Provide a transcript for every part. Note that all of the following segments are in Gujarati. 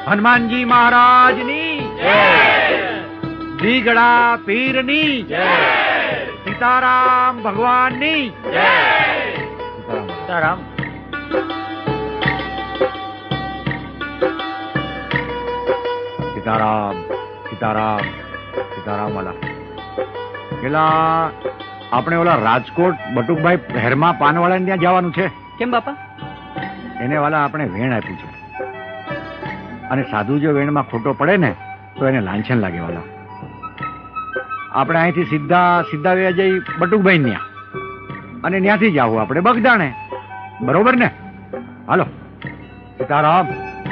હનુમાનજી મહારાજની જય, દીગડા પીરની જય, સીતારામ ભગવાનની જય. સીતારામ. સીતારામ સીતારામ સીતારામ વાલા. પેલા આપણે ઓલા રાજકોટ બટુકભાઈ હેરમા પાનવાળા ત્યાં જવાનું છે. કેમ બાપા? એને વાલા આપણે વેણ આપ્યું છે, અને સાધુ જો વેણમાં ખોટો પડે ને તો એને લાંછન લાગે વાલા. આપણે અહીંથી સીધા વ્યા જઈ બટુકભાઈ ત્યાં, અને ત્યાંથી જ આવું આપણે બગદાણે. બરોબર ને? હાલો. સીતારામ.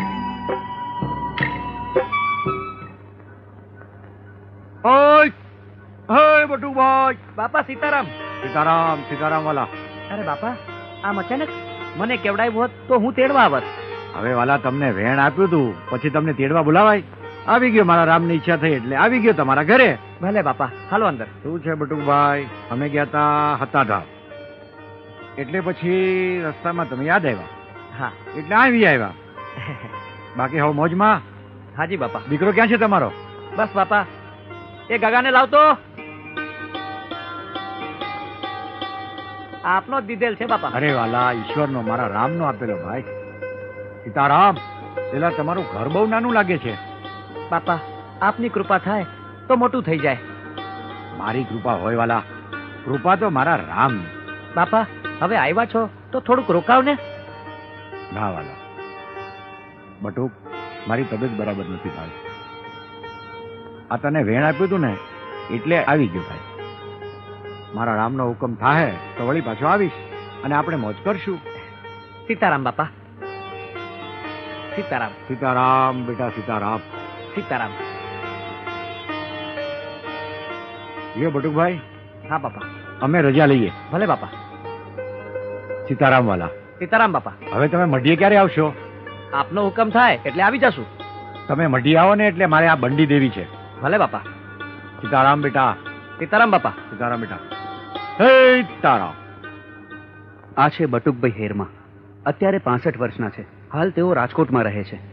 ઓય ઓય બટુકભાઈ. બાપા સીતારામ. સીતારામ સીતારામ વાલા. અરે બાપા, આમ અચાનક મને કેવડાવ્યું હોત તો હું તેડવા આવત. હવે વાલા તમને વેણ આપ્યું તું, પછી તમને તેડવા બોલાવાય? આવી ગયો, મારા રામની ઈચ્છા થઈ એટલે આવી ગયો તમારા ઘરે. ભલે બાપા, હાલો અંદર. શું છે બટુકભાઈ? અમે ગયા તા હતાધામ, એટલે પછી રસ્તામાં તમે યાદ આવ્યા. હા, એટલે આવી આવ્યા. બાકી હવે મોજમાં? હાજી બાપા. દીકરો ક્યાં છે તમારો? બસ બાપા, એ ગગાને લાવતો. આપનો જ દીધેલ છે બાપા. અરે વાલા, ઈશ્વરનો, મારા રામનો આપેલો ભાઈ. સીતારામ. પેલા તમારું ઘર બહુ નાનું લાગે છે. બાપા, આપની કૃપા થાય તો મોટું થઈ જાય. મારી કૃપા હોય વાલા, કૃપા તો મારા રામ. બાપા, હવે આવ્યા છો તો થોડુંક રોકાવ ને. ના વાલા, બટુક, મારી તબિયત બરાબર નથી ભાઈ. આ તને વેણ આપ્યું તું ને એટલે આવી ગયો ભાઈ. મારા રામનો હુકમ થાય તો વળી પાછો આવીશ, અને આપણે મોજ કરશું. સીતારામ બાપા. સીતારામ. સીતારામ બેટા, સીતારામ. સીતારામ. લ્યો બટુકભાઈ. હા બાપા. અમે રજા લઈએ. ભલે બાપા. સીતારામ વાલા. સીતારામ બાપા. હવે તમે મઢીએ ક્યારે આવશો? આપનો હુકમ થાય એટલે આવી જશું. તમે મઢી આવો ને એટલે મારે આ બંડી દેવી છે. ભલે બાપા. સીતારામ બેટા. સીતારામ બાપા. સીતારામ બેટા. હે સીતારામ. આ છે બટુકભાઈ હેરમા. અત્યારે 65 વર્ષના છે. હાલ તેઓ રાજકોટમાં રહે છે.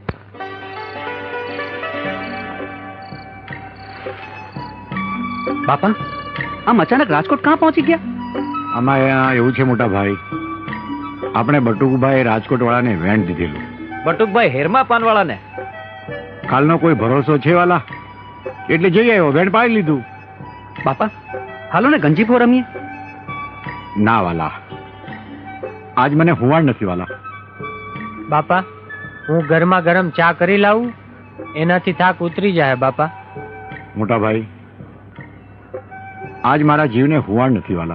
બાપા, આમ અચાનક રાજકોટ ક્યાં પહોંચી ગયા? આમાં એવું છે મોટા ભાઈ, આપણે બટુકભાઈ રાજકોટ વાળાને વેણ દીધેલું. બટુકભાઈ હેરમા પાનવાળાને? કાલનો કોઈ ભરોસો છે વાલા, એટલે જઈ આવ્યો, વેણ પાડી લીધું. બાપા, હાલો ને ગંજીફો રમીએ. ના વાલા, આજ મને હુવાડ નથી વાલા. બાપા, હું ગરમા ગરમ ચા કરી લાવું, એનાથી થાક ઉતરી જાય. બાપા. મોટા ભાઈ, આજ મારા જીવને હુવાડ નથી વાલા.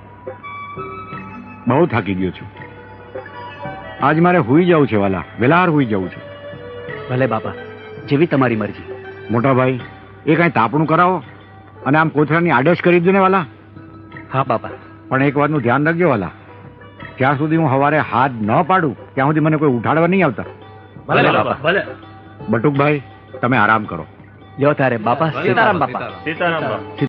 બહુ થાકી ગયો છું. આજ મારે હુઈ જવું છે વાલા, વેલાહાર હુઈ જવું છે. ભલે બાપા, જેવી તમારી મરજી. મોટા ભાઈ, એ કઈ તાપણું કરાવો, અને આમ કોથળાની આડશ કરી દો ને વાલા. હા બાપા. પણ એક વાતનું ધ્યાન રાખજો વાલા, જ્યાં સુધી હું સવારે હાથ ન પાડું ત્યાં સુધી મને કોઈ ઉઠાડવા નહીં આવતા. ભલે બાપા. ભલે. બટુકભાઈ, તમે આરામ કરો. લ્યો તારે બાપા. સીતારામ બાપા. સીતારામ.